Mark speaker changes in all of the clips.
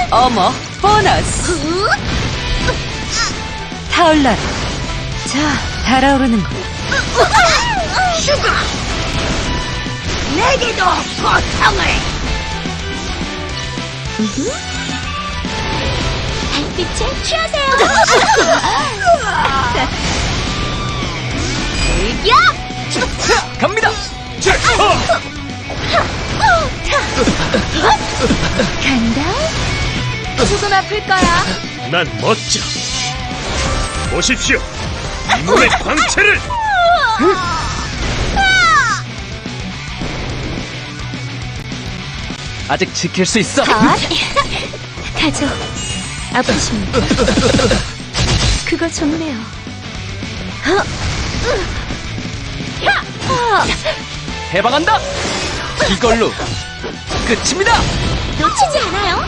Speaker 1: 어머, 보너스. 타올라라. 자, 달아오르는 거.
Speaker 2: 슈가! 내게도 고통을! 달빛에 취하세요! 일격!
Speaker 3: 갑니다.
Speaker 2: 간다? 조금 아플 거야.
Speaker 4: 난 멋져. 보십시오. 이 몸의 광채를.
Speaker 3: 아직 지킬 수 있어.
Speaker 2: 가죠. 아프십니까? 그거 좋네요.
Speaker 3: 해방한다. 이걸로 끝입니다.
Speaker 2: 놓치지 않아요?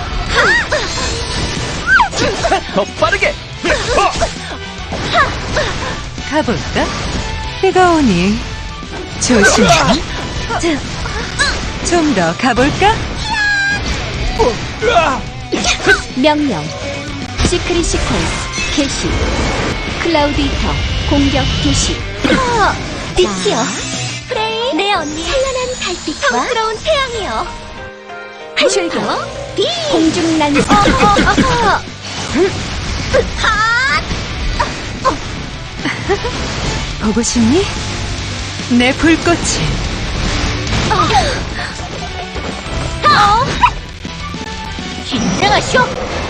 Speaker 3: 더 빠르게.
Speaker 1: 가볼까? 비가 오니 조심해. 좀 더 가볼까?
Speaker 2: 명령. 시크릿 시퀀스 개시. 클라우드 히터 공격 개시. 빛이요. 프레이. 내 언니. 찬란한 달빛과 성스러운 태양이요. 출격. 공중 난사.
Speaker 1: 보고 싶니? 내 불꽃이.
Speaker 2: 긴장하쇼.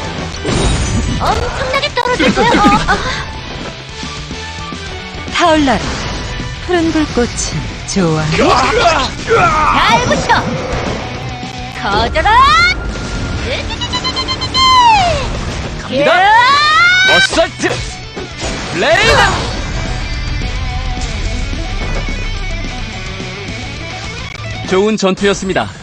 Speaker 2: 엄청나게 떨어질 거야.
Speaker 1: 타올라라. 푸른 불꽃은 좋아.
Speaker 2: 잘 붙여. 커져라.
Speaker 3: 갑니다. 어설트. 블레이드. 좋은 전투였습니다.